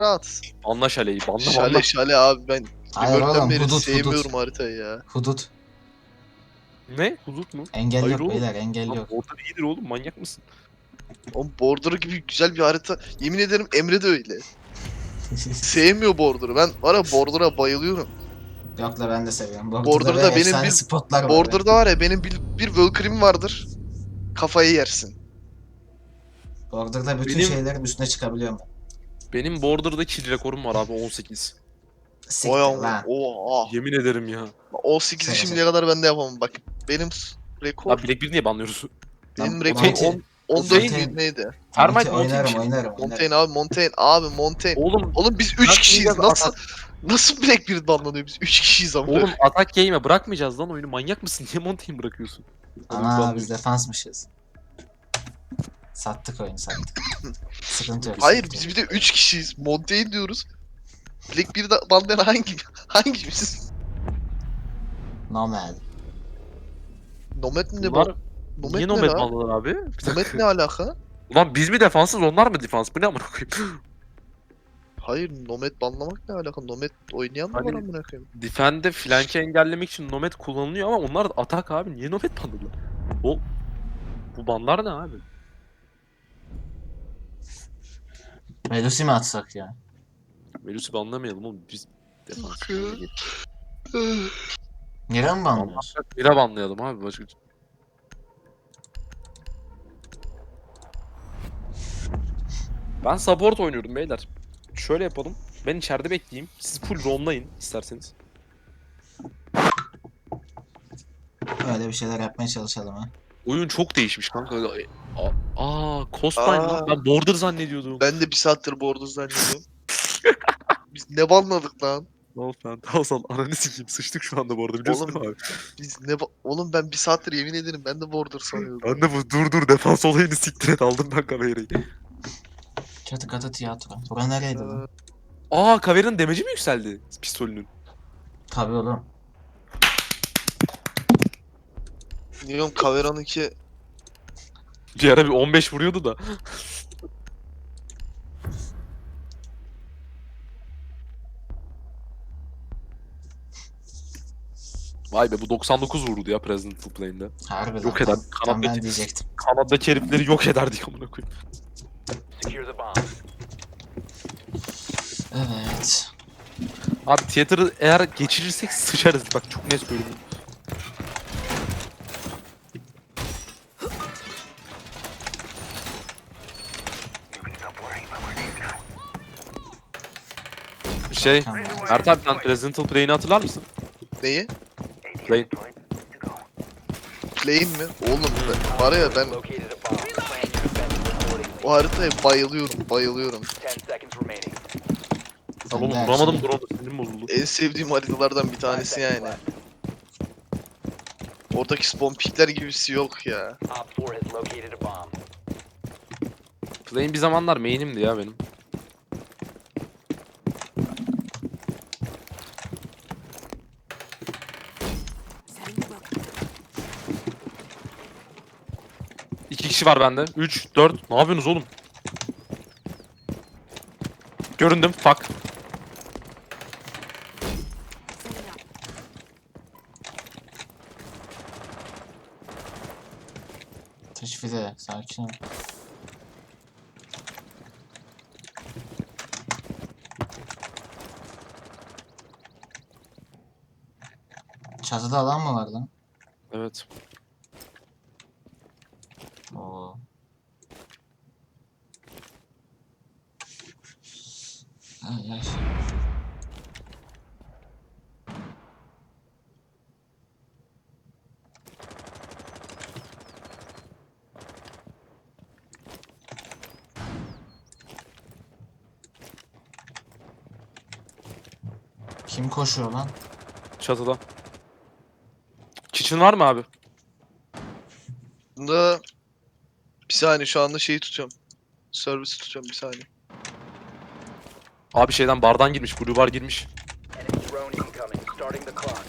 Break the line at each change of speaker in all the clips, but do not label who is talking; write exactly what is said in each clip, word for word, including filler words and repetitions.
Rahat.
Anla şaleyi. Banla banla.
Şale şale abi ben
Hayır
Rebirth'ten
oğlum,
beri
hudut,
sevmiyorum
hudut.
haritayı ya.
Hudut.
Ne? Hudut mu?
Engel
Hayır
yok
oğlum.
beyler, engel
Lan
yok.
Border iyidir oğlum, manyak mısın?
Oğlum Border gibi güzel bir harita. Yemin ederim Emre de öyle. Sevmiyor Border'ı. Ben var ya Border'a bayılıyorum.
Yok la, ben de seviyorum. Border'da böyle
Border'da benim
efsane
bir
spotlar var be.
Border'da var ya benim bir, bir Valkyrie'm vardır. Kafayı yersin.
Border'da bütün
Benim-
şeylerin üstüne çıkabiliyorum.
Benim Border'da kill rekorum var abi, on sekiz.
Siktir
O
lan.
Oha.
Yemin ederim ya.
on sekizi
Şaka
şimdiye kadar ben de yapamam. Bak benim s- rekor
Abi Black bir niye banlıyoruz?
Lan,
benim rekor
Monty-
on- on dört
Montaigne-
müydü neydi?
Termite
Monty
Montaigne
oynarım,
bir şey.
oynarım, oynarım.
Montaigne abi Montaigne abi Montaigne.
Oğlum,
Oğlum biz üç
Bırakmayacağız
kişiyiz. Nasıl
atak.
nasıl Blackbeard banlanıyor biz? üç kişiyiz ama.
Oğlum atak game'e bırakmayacağız lan oyunu. Manyak mısın? Niye Montaigne bırakıyorsun? Onu
Ana
banlıyoruz.
biz defansmışız. Sattık oyunu, sattık. Sıkıntı yok.
Hayır
sıkıntı
biz
yok.
bir de üç kişiyiz. Montaigne diyoruz. Blackbeard'ı banlayan hangi hangimiz?
Nomad.
Nomad ne
Bunlar
bu? Nomad
niye
ne
nomad
lan?
banladılar abi? Bir dakika.
Nomad ne alaka?
Ulan biz mi defansız, onlar mı defans? Bu ne amına koyayım?
Hayır Nomad banlamak ne alaka? Nomad oynayan mı var
Hani-
amına koyayım?
Defend'de flank'i engellemek için nomad kullanılıyor ama onlar da atak abi. Niye nomad banladılar? O bu banlar ne abi?
Melusi mi atsak ya?
Melus'u banlamayalım oğlum, biz defans.
Nere mi banlıyoruz?
Mira banlayalım abi, başka. Ben support oynuyorum beyler. Şöyle yapalım. Ben içeride bekleyeyim. Siz full roamlayın isterseniz.
Öyle bir şeyler yapmaya çalışalım ha.
Oyun çok değişmiş kanka. Aa, aa Costline
Aa.
lan. Ben Border zannediyordum.
Ben de bir saattir Border zannediyorum. Biz ne banladık lan?
Ne oldu lan? Tamam, ananı sikeyim. Sıçtık şu anda bu arada, biliyorsun
Oğlum,
değil mi abi?
Biz ne ba- Oğlum ben bir saattir yemin ederim ben de Border sanıyordum.
Ben de bu dur dur defans olayını siktir et, aldım ben kamerayı.
Çatı katı tiyatro. Bura nereydi lan?
Aa, Kavera'nın demeci mi yükseldi pistolünün?
Tabii oğlum.
Diyorum Kavera'nınki
Bir ara bir on beş vuruyordu da. Vay be, bu doksan dokuz vurdu ya Presidential Plane'de.
Harbiden.
Yok eder.
Tam, tam ben
Kanattaki,
diyecektim.
kanattaki herifleri yok ederdik amına koyayım.
Secure the bomb.
Evet.
Abi tiyatroyu eğer geçirirsek sıçarız, bak çok net söylüyorum. Şey,
Tamam.
Mert abi sen Presidential Plane'i hatırlar mısın?
neyi?
Plane.
Plane mi? Oğlum ben, var ya ben
Located a bomb. Plan your defense accordingly.
o haritaya bayılıyorum bayılıyorum.
Ten seconds remaining.
Tamam oğlum,
Ben de
vuramadım,
her
drone'u sinirim bozuldu.
En sevdiğim haritalardan bir tanesi
Five seconds
yani.
left.
Oradaki spawn pickler gibisi yok ya.
Op four has located a bomb.
Plane bir zamanlar main'imdi ya benim. İki kişi var bende. Üç, dört. Ne yapıyorsunuz oğlum? Göründüm. Fuck.
Teşvide. Sakin ol. Çatıda alan mı var lan?
Evet.
Oo. Ay ay. Kim koşuyor lan?
Çatıda. Kitchen var mı abi?
Bunda bir saniye şu anda şeyi tutuyorum. Servisi tutuyorum bir saniye.
Abi şeyden bardan girmiş. Blue bar girmiş.
Enemy drone incoming. Starting the clock.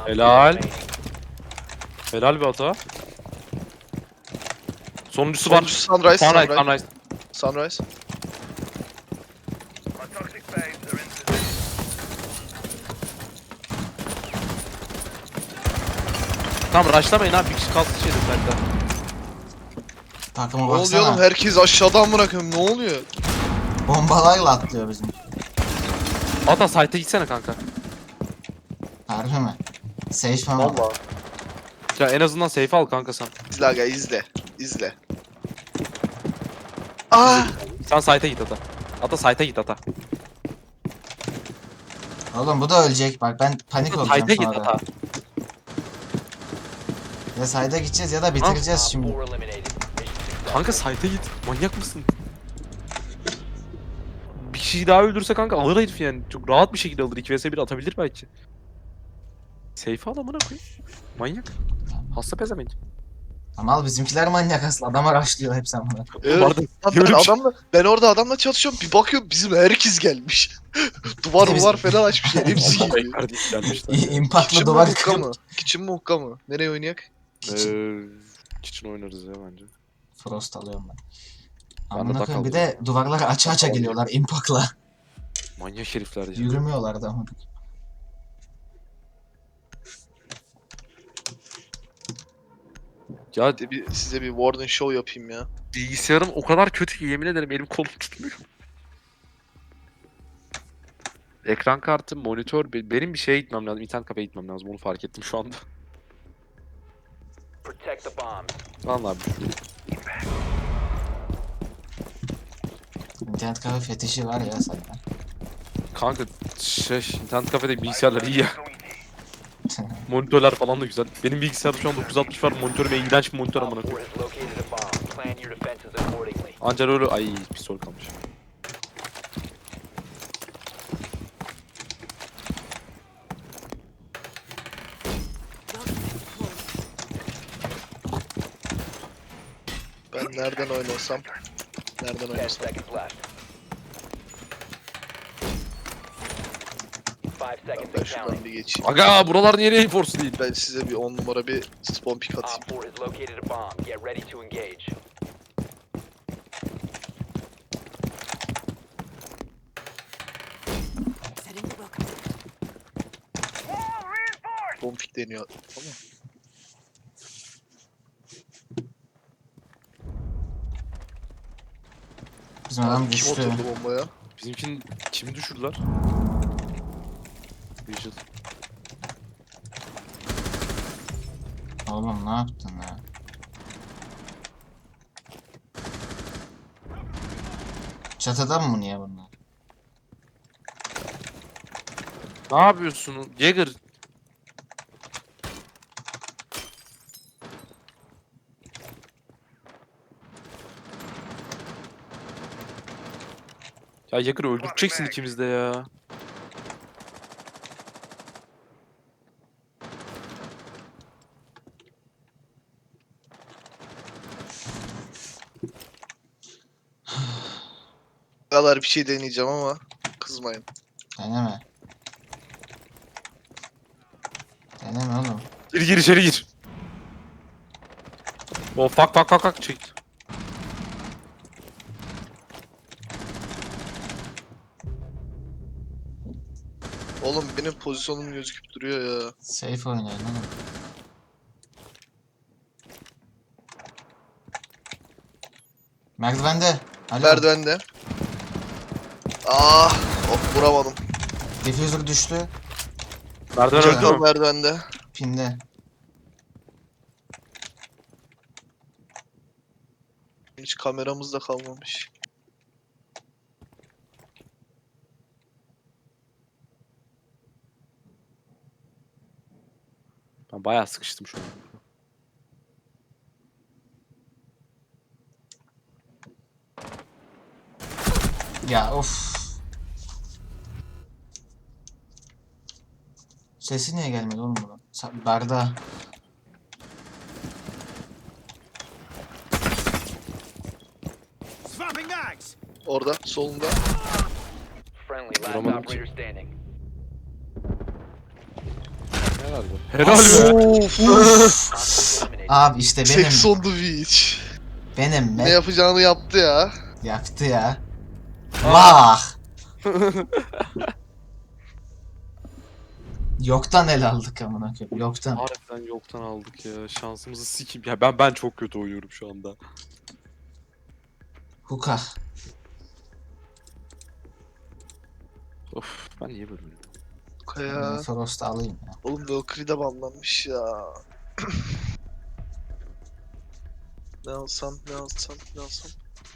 Helal.
remaining.
Helal bir hata. Sonuncusu var.
Sonuncusu Sunrise,
Sunrise,
Sunrise.
Sunrise.
Sunrise.
Tamam rushlamayın abi. Bir kişi kalsın şeyde bende.
Takıma
Ne oluyor oğlum?
baksana.
Herkes aşağıdan bırakıyorum. Ne oluyor?
Bombalarla atlıyor bizim.
Ata site'e gitsene kanka.
Harbi mi? Safe mi?
Valla. Ya en azından safe al kanka sen.
İzle aga izle. İzle. Ah!
Sen site'e git Ata. Ata site'e git Ata.
Oğlum bu da ölecek bak ben panik olacağım
Site'e git
sonra.
Ata.
Ya sayda gideceğiz ya da bitireceğiz
Op
şimdi.
four eliminated. Mission successful.
Kanka site'e git. Manyak mısın? Bir kişiyi daha öldürse kanka alır herif yani. Çok rahat bir şekilde alır. iki vs bir atabilir belki. Safe al amına koyayım. Manyak. Hasta pezevenk.
Ama al bizimkiler manyak aslında. Adama rushlıyor hep sen bunu.
Evet.
Vardı.
Lan ben
Böyle bir şey-
adamla ben orada adamla çatışıyorum. Bir bakıyorum bizim herkes gelmiş. Duvar
Biz-
duvar falan açmışlar. Hepsi
Allah
geliyor.
kardeş gelmişler.
İmpaklı
Kitchen mi
duvar
hukka
kırıp.
mı? Kitchen mi hukka mı? Nereye oynayak?
Eee kitchen oynarız ya bence.
Frost alıyorum ben.
Ben de
Amına
duck
koyayım bir
alacağım
de
ya.
duvarları aça aça
Duck
geliyorlar impakla.
Manyak herifler ya.
Yürümüyorlar da amına.
Ya
Bir de bir, size bir warning show yapayım ya.
bilgisayarım o kadar kötü ki yemin ederim elim kolum tutmuyor. Ekran kartı, monitör, be- benim bir şeye gitmem lazım, internet kafeye gitmem lazım onu fark ettim şu anda.
Protect the bombs.
Vallahi
İnternet kafe fetişi var ya sayda.
kanka şey, internet kafede bilgisayarlar iyi ya. Monitörler falan da güzel. Benim bilgisayarda şu an dokuz altmış var, monitörüm iğrenç bir monitör amına
Op four
koyayım.
has located a bomb. Plan your defenses accordingly.
Ancak öyle ay pistol kalmış.
Ben nereden oynasam? Nereden
Ten
oynasam?
seconds left. Five seconds
Ben
and
şuradan
counting.
bir geçeyim.
Aga buralar niye Air Force değil?
Ben size bir on numara bir spawn pick atayım.
Op four has located a bomb. Get ready to engage.
Spawn pick deniyor. Tamam.
Bizim adam
Kim
düştü.
oturdu bombaya?
Bizimkin kimi düşürdüler? Vigil.
Oğlum ne yaptın ya? Çatıda mı niye bunlar?
Ne yapıyorsun? Jagger. Ya Jagger öldüreceksin ikimiz de ya.
Bu kadar bir şey deneyeceğim ama kızmayın.
Deneme. Deneme oğlum.
Gir gir içeri gir. O fak fak fak fak çekti.
Oğlum benim pozisyonum gözüküp duruyor ya.
Safe oynayın oğlum. Merdivende. Alo.
Merdivende. Ah! Of vuramadım.
Diffuser düştü.
Merdiven
Jagger.
öldü
Çakal
mü?
merdivende.
Pinde.
Hiç kameramız da kalmamış.
Ben bayağı sıkıştım şu an.
Ya of. Sesi niye gelmedi oğlum bunun? Sa- Barda.
Orada solunda.
Friendly, last
Vuramadım ki.
operator standing.
Helal be. Helal be.
Of.
Eliminated.
Abi işte benim.
Sex on the beach.
Benim
Ne
be.
yapacağını yaptı ya.
Yaptı ya. Vah. Yoktan el aldık amına koyayım. Yoktan.
Harbiden yoktan aldık ya. Şansımızı sikim. Ya ben ben çok kötü oynuyorum şu anda.
Huka.
Of ben niye böyle oynuyorum?
Kaya.
Frost'u alayım ya.
Oğlum Valkyrie'de banlanmış ya. Ne alsam, ne alsam, ne alsam.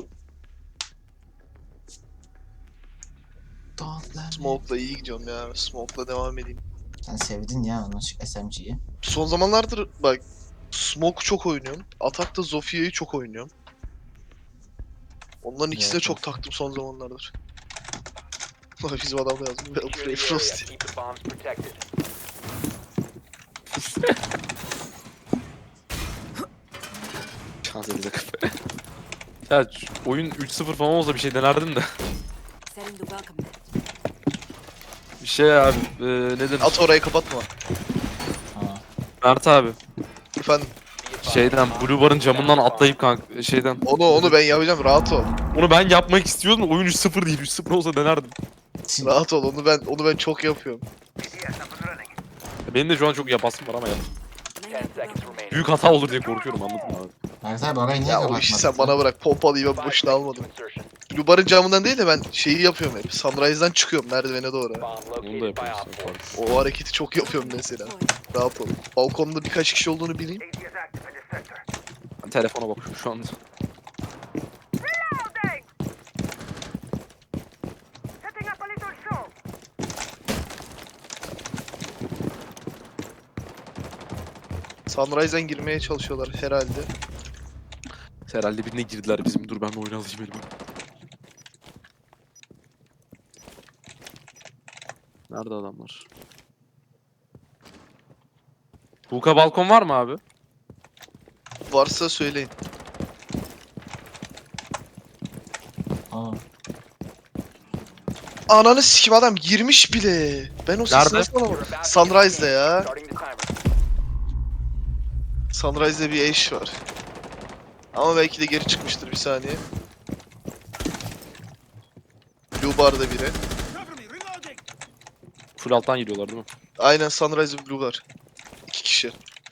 Don't let me-
Smoke'la iyi gidiyorum ya. Smoke'la devam edeyim.
Sen sevdin ya onu S M G'yi.
Son zamanlardır bak Smoke çok oynuyorum. Atak'ta Zofia'yı çok oynuyorum. Onların ikisine
Evet,
çok
evet.
taktım son zamanlardır. Bizim adam da yazmış.
Secure
Valkyrie
the area.
Frost.
Keep the bombs protected.
Şans edecek. Ya şu oyun üç sıfır falan olsa bir şey denerdim de.
Setting the welcome mat.
Bir şey abi. E, ne denir?
At orayı kapatma.
Ha.
Mert abi.
Efendim
Be advised,
Şeyden
bomb
Blue Bar'ın
is
camından
down to bomb.
atlayıp kanka şeyden.
onu onu ben yapacağım, rahat ol.
Onu ben yapmak istiyordum da oyun üç sıfır değil. üç sıfır olsa denerdim.
Rahat ol, onu ben onu ben çok yapıyorum.
Benim de şu an çok yapasım var ama ya.
Laying
Ten
out the
seconds
welcome.
remaining.
Büyük hata olur diye korkuyorum, anladın mı abi?
Mert abi orayı niye
Ya o
kapatmadın?
işi sen bana bırak. Pompalıyı ben
Five
boşuna
seconds
almadım.
to insertion.
Blue Bar'ın camından değil de ben şeyi yapıyorum hep. Sunrise'dan çıkıyorum merdivene doğru.
Bomb
Onu da
located by
yapıyorsun.
Op four.
fark.
O hareketi çok yapıyorum mesela. Rahat ol. Balkonda birkaç kişi olduğunu bileyim.
Ben telefona bakıyorum şu anda.
Sunrise'dan girmeye çalışıyorlar herhalde.
Herhalde birine girdiler bizim. Dur ben de oyun alayım elime. Nerede adamlar? Buka balkon var mı abi?
Varsa söyleyin.
Aa.
Ananı sikim, adam girmiş bile. Ben o sesi
Nerede?
nasıl
You're
alamadım?
about to
Sunrise'da
begin.
ya.
Starting the timer.
Sunrise'da bir eş var. Ama belki de geri çıkmıştır, bir saniye. Blue Bar'da biri.
Full alttan giriyorlar değil mi?
Aynen, Sunrise ve Blue Bar. İki kişi.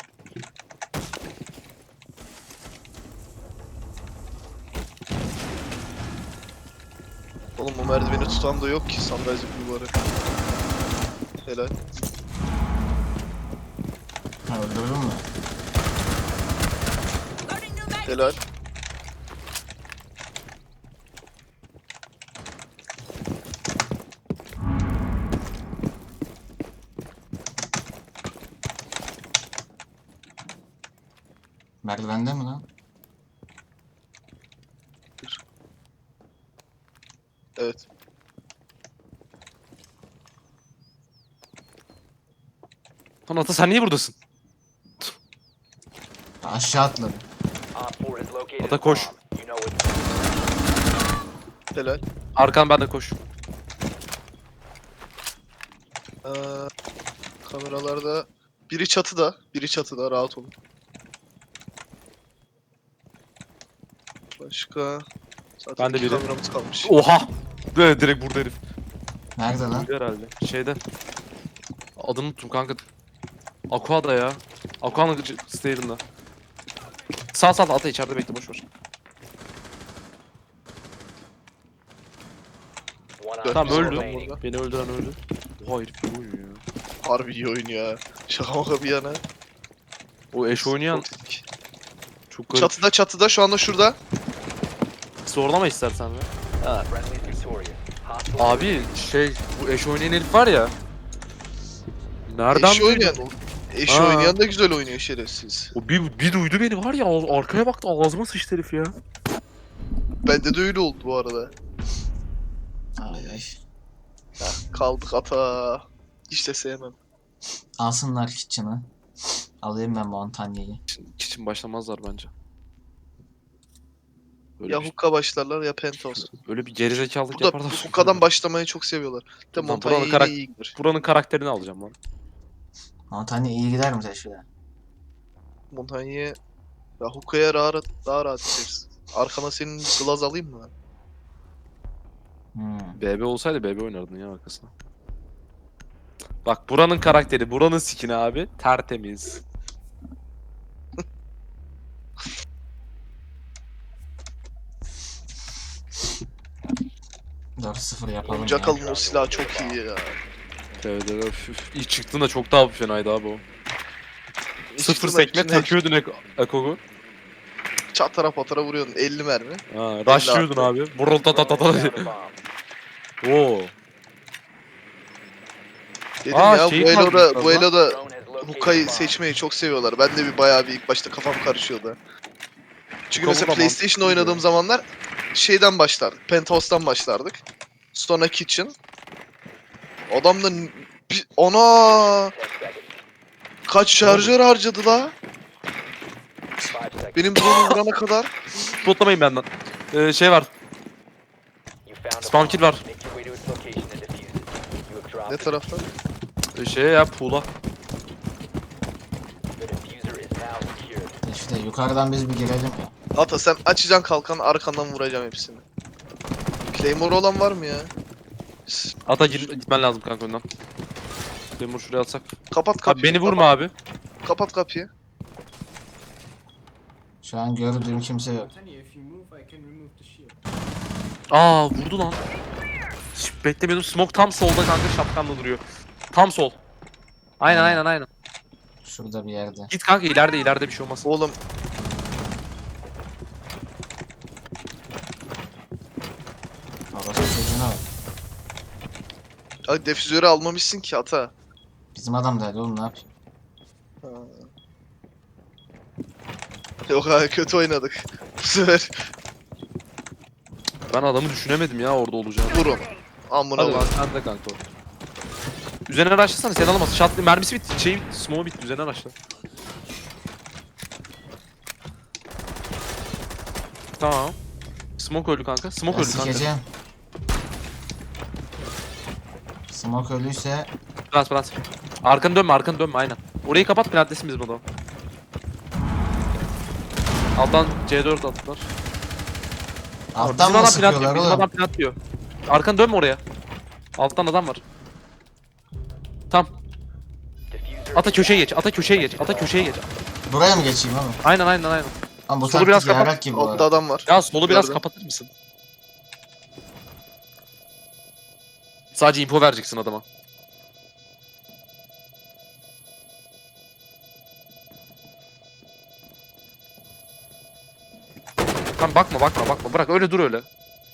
Oğlum o merdiveni tutan da yok ki Sunrise ve Blue Bar'ı. Helal.
Ha, öldürdün mü?
Loading new mag.
Helal.
Merdivende mi lan?
Evet.
Lan Ata sen niye buradasın?
Aşağı atladı.
Op four has located
Ata
a
koş.
bomb. You know it.
Helal.
Arkan bende koş.
Ee, kameralarda biri çatıda, biri çatıda, rahat olun. Başka zaten
Ben de
iki
biri.
kameramız kalmış.
Oha! Böyle direkt burada herif.
Nerede lan?
Buydu herhalde. Şeyde. Adını unuttum kanka. Aqua'da ya. Aqua'nın stair'ında. Sağ sağ Ata içeride bekle, boş ver.
One
Dört
op
Tamam
bizim
four
öldü.
adam
remaining.
burada.
Beni öldüren öldü. Oha herif iyi oynuyor ya.
Harbi iyi oyun ya. Şaka maka bir yana.
O eş oynayan
Çok-
çok garip.
Çatıda çatıda şu anda şurada.
Zorlama istersen ya.
Friendly is victorious. Hostile
Abi şey bu eş oynayan herif var ya. Nereden
Eşi oynayan.
duydun?
Eş
Ha.
oynayan da güzel oynuyor şerefsiz.
O bir, bir duydu beni var ya, ağ- arkaya baktı ağzıma sıçtı herif ya.
Bende de öyle oldu bu arada.
Ay ay.
Kaldık ata. Hiç de sevmem.
Alsınlar kitchen'ı. Alayım ben bu Antanya'yı.
Kitchen başlamazlar bence. Öyle,
Ya
bir,
hukka başlarlar ya penthouse.
öyle bir gerizekalılık
Burada
yaparlar.
hukkadan başlamayı çok seviyorlar. De
Buradan
Montanya
buranın
yine
karak-
iyi gidiyor.
Buranın karakterini alacağım lan.
Montanya iyi gider mi teşvide?
Montanya'ya ya Hookah'ya rahat, daha rahat ederiz. Arkana senin glaz alayım mı?
Hmm.
B B olsaydı B B oynardın ya arkasına. Bak buranın karakteri, buranın skin'i abi tertemiz.
dört sıfır yapalım ya.
Jackal'ın o silahı çok iyi ya.
Evet evet. üf, üf. İlk çıktığında çok daha fenaydı abi o. Sıfır
Çıktığında
sekme
içine
takıyordun Ek- Ekogu.
Çatara patara vuruyordun elli mermi.
Ha, rushlıyordun abi. Burul ta ta ta ta.
Drone has found a bomb.
Oo.
Dedim
Aa,
ya
şeyi
bu Elo'da,
kaldırmışlar
bu
lan.
Elo'da
Drone has located a
Hookah'yı
bomb.
seçmeyi çok seviyorlar. Ben de bir bayağı bir ilk başta kafam karışıyordu. Çünkü
Hookah
mesela
da
PlayStation
mantıklı
oynadığım
ya.
zamanlar şeyden başlardık. Penthouse'dan başlardık. Sonra Kitchen. Adam da n- bir, ona
ten seconds.
kaç şarjör harcadı la?
Five seconds.
Benim drone'u vurana kadar.
Spotlamayın benden. Ee, şey var.
You found a
Spawn
bomb.
kill var.
Make your way to its location and defuse it. You have dropped
Ne
the
tarafta?
Ee, Şey ya pool'a.
The diffuser is now secured.
Teşvide yukarıdan biz bir girelim ya.
Ata sen açacaksın kalkan arkandan vuracağım hepsini. Claymore olan var mı ya? S-
Ata git, gitmen lazım kanka önden. Demir şuraya atsak.
Kapat kapıyı.
Abi beni vurma
kapat,
abi.
Kapat kapıyı.
Şu an gördüğüm kimse yok.
If you move, I can remove the shield.
Aa vurdu lan. Şş, beklemiyordum. Smoke tam solda kanka şapkanla duruyor. Tam sol. Aynen
Aynen.
aynen aynen.
Şurada bir yerde.
Git kanka ileride ileride bir şey olmaz.
Oğlum
Orası çocuğuna bak.
ay, defüzörü almamışsın ki ata.
Bizim adam da oğlum ne yapayım?
Ha. Yok abi kötü oynadık. Bu sefer
Ben adamı düşünemedim ya orada olacağını.
vurun. Amına
Hadi
vur.
lan sen de kanka. Üzerine araçlasana sen alamazsın. Şatlı mermisi bitti. Şey bitti. Smoke bitti. Üzerine araçla. Tamam. Smoke öldü kanka. Smoke
Ben
öldü kanka.
sikeceğim. Smoke ölüyse
Plant plant. Arkanı dönme arkanı dönme aynen. Orayı kapat plantlesin bizim adam. Alttan C dört attılar.
alttan
Bizim
mı
adam
sıkıyorlar
plant Bizim
oğlum?
adam plant diyor. Arkanı dönme oraya. Alttan adam var. Tam.
Diffuser
Ata
is
köşeye
active.
geç. Ata köşeye geç. Ata köşeye geç.
Buraya mı geçeyim oğlum?
Aynen aynen aynen.
Ama bu
Solu
taktik
biraz kapat.
yarak gibi bu
Altta
arada.
adam var.
Ya solu biraz
Gördüm.
kapatır mısın? Sadece info vereceksin adama. Tamam bakma bakma bakma. Bırak öyle dur öyle.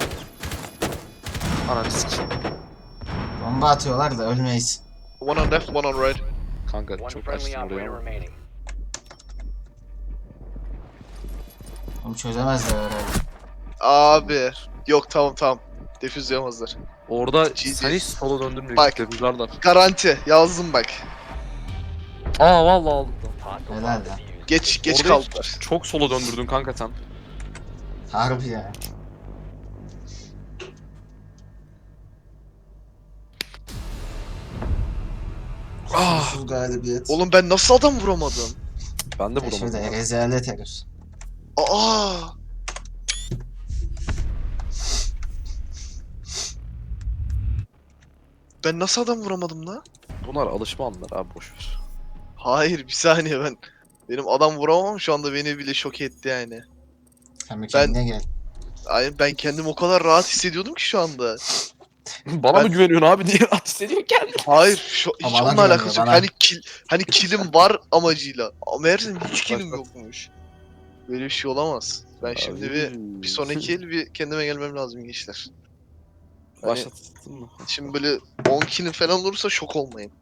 Ananı sikeyim.
Bomba atıyorlar da ölmeyiz.
One on left, one on right.
Kanka
One
çok
friendly
açtın oraya
operator
ama.
remaining.
Onu çözemezler herhalde.
Abi. Yok tamam tamam. Defüzleyemezler.
Orada
G G.
sen hiç sola döndürmüyor.
Bak.
Defuzlarlar.
Garanti. Yazdım bak.
Aa vallahi aldım da.
Hostile
Helal
bomb
lan.
defused.
Geç geç
Orada
kaldılar.
hiç- Çok sola döndürdün kanka sen.
Harbi ya.
Ah.
Kusursuz galibiyet.
Oğlum ben nasıl adam vuramadım?
Ben de
Teşvide
vuramadım.
rezalet herif.
Aa. Ben nasıl adam vuramadım la?
Bunlar alışma anlar abi boşver.
Hayır bir saniye ben. Benim adam vuramam şu anda beni bile şok etti yani.
Sen bir kendine gel.
Ay ben kendimi o kadar rahat hissediyordum ki şu anda.
Bana
Ben-
mı güveniyorsun abi diye rahatsız ediyor kendini.
Hayır şu, hiç
Ama bana
onunla
güvenmiyor,
alakası yok.
bana.
Hani kil, hani kilim var amacıyla. Ama meğerse hiç kilim
Bak, bak.
yokmuş. Böyle bir şey olamaz. Ben şimdi bir bir sonraki el bir kendime gelmem lazım gençler. Hani
Başlattın mı?
şimdi böyle on kilim falan olursa şok olmayın.